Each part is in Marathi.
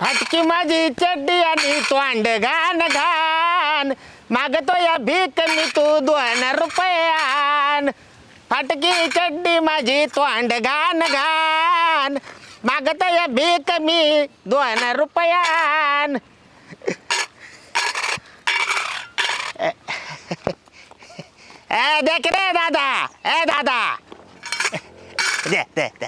फाटकी माझी चड्डी आणि तोंड घाण घाण मागतो या भीक मी तू 2 रुपयान फाटकी चड्डी माझी तोंड घाण घाण मागतो या भीक मी 2 रुपयान देख रे दादा दादा दे दे दे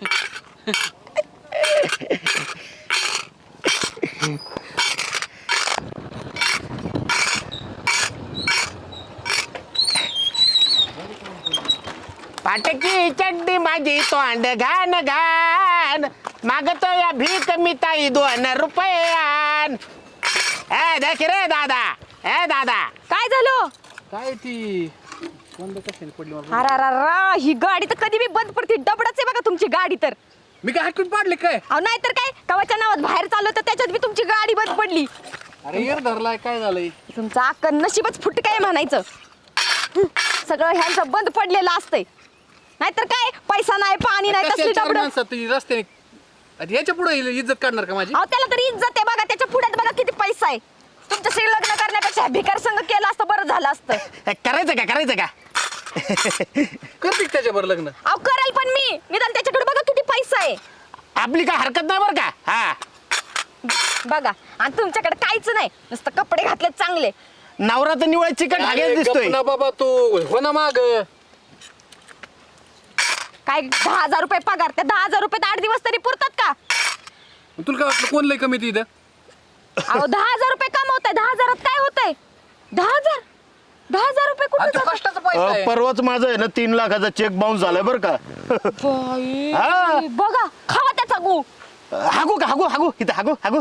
फाटकी चड्डी माझी तोंड घाण घाण मागतो या भीक मी ताई 2 रुपयान देख रे दादा दादा काय झालं? काय ती बंद कशाने पडली मला? अरा ही गाडी तर कधी बी बंद पडते. डबडच आहे बघा तुमची गाडी तर. मी काय हाकून पाडले काय? अहो नाही तर काय कवाच्या नावात बाहेर चाललो तर त्याच्यात बी तुमची गाडी बंद पडली. अरे यार धरलाय काय झालंय? तुमचं अक्क नशीबच फुट काय म्हणायचं. सगळं ह्यांचं बंद पडलेलं असतंय. नाहीतर काय पैसा नाही पाणी नाही तसली डबड. रस्त्याने याच्या पुढे इज्जत काढणार का माझी? अहो त्याला तरी इज्जत आहे बघा. त्याच्या पुढ्यात बघा किती पैसा आहे. तुमच्याशी लग्न करण्यापेक्षा भिकार संघ केलं असतं बरं झालं असतं. करायचं का करते त्याच्यावर लग्न? अहो करेल पण मी निदान त्याच्याकडे बघा किती पैसा आहे. आपली काय हरकत नाही बरं का हा बघा आणि तुमच्याकडे काहीच नाही नुसतं कपडे घातले चांगले. नवरा तर निवळ चिकट हागेच दिसतोय ना बाबा तू हो ना माग. काय 10,000 रुपये पगार. त्या 10,000 रुपये 8 दिवस तरी पुरतात का? तुला काय वाटलं कोण लय कमी इथं? अहो 10,000 रुपये कमवताय. 10,000 काय होतंय? 10,000 रुपये आणि कुठे तो कष्टाचा पैसा आहे. परवाच माझं आहे ना 3 लाखाचा चेक बाउन्स झालाय बरं का हा. बघा खावा त्याचा गु. हागू इथं हागू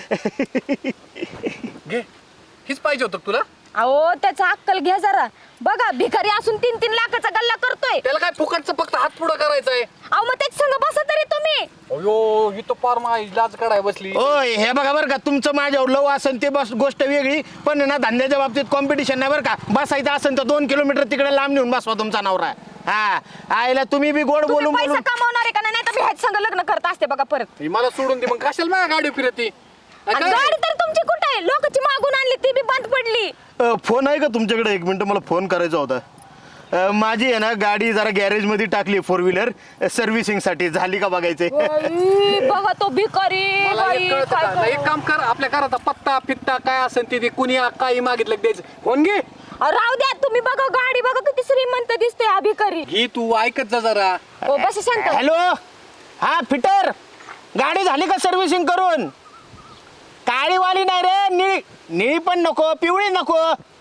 घे हीच पाहिजे होतं का तुला? अहो त्याचा अक्कल घ्या जरा. बघा भिकारी असून 3-3 लाखाचा गल्ला करतोय. त्याला काय फुकटचं फक्त हात पुढं करायचा आहे? अहो मग त्याच संग बसा तरी तुम्ही. अयो ही तो पार माझी लाज काढाय बसली. ओय हे बघा बरं का तुमचं माझ्यावर लव असेल ते बस गोष्ट वेगळी पण ना धंद्याच्या बाबतीत कॉम्पिटिशन नाही बरं का. बसायचं असेल तर 2 किलोमीटर तिकडे लांब नेऊन बसवा तुमचा नवरा. हा आईला तुम्ही बी गोड तुम्ही बोलून पैसा बोलून कमावणार आहे का नाही तर मी ह्याच संग लग्न करत असते बघा परत. ही मला सोडून दे मग कशाला माझ्या गाडी फिरती? आणि गाडी तर तुमची कुठे आहे? लोकांची मागून आणली ती बी बंद पडली. फोन आहे का तुमच्याकडे? 1 मिनिट मला फोन करायचा होता. माझी आहे ना गाडी जरा गॅरेज मध्ये टाकली 4 व्हीलर सर्व्हिसिंग साठी. झाली का बघायचे? बघा तो भिकारी. मला बाई, एक कळतं काय का? करू? एक काम कर आपल्या घराचा पत्ता फित्ता काय असेल ते कुणी काही मागितलं की द्यायचं. फोन घे. अहो, राहू द्या तुम्ही बघा गाडी बघा किती श्रीमंत दिसते हा भिकारी. ही तू ऐकत जा जरा. ओ बस शांत. हॅलो हा फिटर गाडी झाली का सर्व्हिसिंग करून? काळीवाली नाही रे निळी पण नको पिवळी नको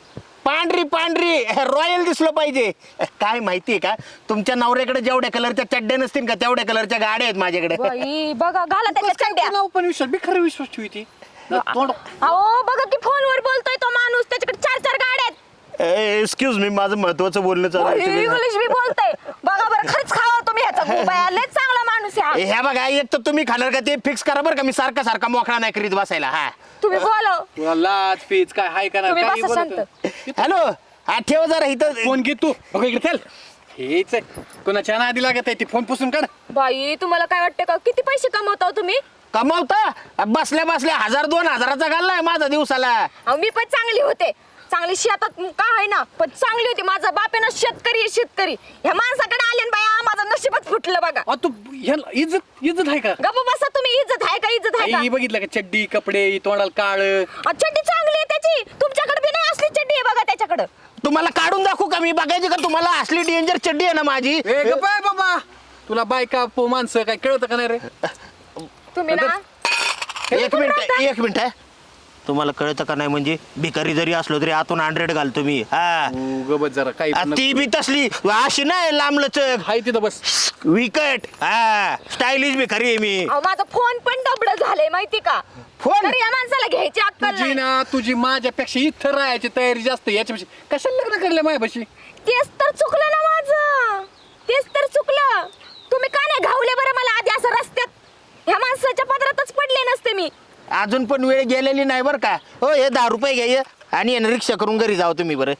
पांढरी रॉयल दिसलं पाहिजे. काय माहितीये का तुमच्या नवऱ्याकडे जेवढ्या कलरच्या चड्ड्या नसतील का तेवढ्या कलरच्या गाड्या आहेत माझ्याकडे. बाई बघा घाला त्याच्या चड्ड्या. नाव पण विश्वास मी खरं विश्वास ठेवती. अहो बघा की फोनवर बोलतोय तो माणूस. त्याच्याकडे 4-4 गाड्या आहेत. एक्सक्यूज मी माझं महत्वाचं बोलणं चालू आहे. इंग्लिश बी बोलतोय. बघा बरं खरंच खावा तुम्ही ह्याचा मोबाईल. लय चांगला माणूस आहे हा. ह्या बघा एक तर तुम्ही खाणार का ते फिक्स करा बरं का. मी सारखा मोकळा नाही करीत बसायला. हा तुम्ही बोला. तुला लाज पीच काय हाय का तुम्ही नाही? बसा शांत. हॅलो हा ठेव जरा इथं. फोन घे तू. बघ इकडे चल. हेच कोणाच्या नादी लागत आहे ती. फोन पुसून काढ. बाई तुम्हाला काय वाटतं का किती पैसे कमवता हो तुम्ही? कमावता बसल्या 1,000-2,000चा घाललाय माझा दिवसाला. अहो मी पण चांगली होते. चांगली शेतात का आहे ना पण चांगली होती. माझा बाप आहे ना शेतकरी. ह्या माणसाकडे आले ना बाया माझं नशीबच फुटलं बघा. तू इज्जत आहे का? गप्प बसा तुम्ही. इज्जत आहे का? आई बघितलं का चड्डी कपडे तोंडाला काळ. चड्डी चांगली आहे त्याची. तुमच्याकडे बी नाही असली चड्डी आहे बघा त्याच्याकडे. तुम्हाला काढून दाखवू का मी? बघायची का तुम्हाला? असली डेंजर चड्डी आहे ना माझी. बाबा तुला बायका माणसं काय कळतं का नाही रे? तुम्ही ना एक मिनिट आहे. तुम्हाला कळतं का नाही म्हणजे भिकारी जरी असलो तरी आतून 100 घालतो मी. हा गबत जरा काही ती बी तसली अशी नाही लांबलचक हाय तिथं बस. विकट हा स्टायलिश भिकारी आहे मी. अहो माझा फोन पण डबड झालंय माहिती का? फोन? तरी या माणसाला घ्यायची अक्कल तुझी नाही. ना तुझी माझ्यापेक्षा इथं राहायची तयारी जास्त. याच्यापेक्षा कशाला लग्न करले माझ्यापाशी? तेच तर चुकलं ना माझं. तेच तर चुकलं. तुम्ही का नाही घावले बरं मला आधी असं रस्त्यात? ह्या माणसाच्या पदरातच पडले नसते मी. अजून पण वेळ गेलेली नाही बरं का. हो हे 10 रुपये घ्या आणि रिक्षा करून घरी जाऊ तुम्ही बरं.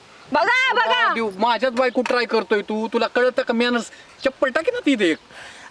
बघा माझ्याच बायको ट्राय करतोय तू. तुला कळतं का? मॅनर्स चप्पल टाकी ना तिथे एक.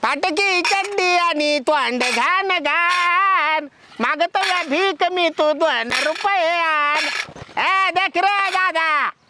फाटकी चड्डी आणि तोंड घाण घाण मागतो या भीक मी तू 2 रुपये आण. ए देख रे दादा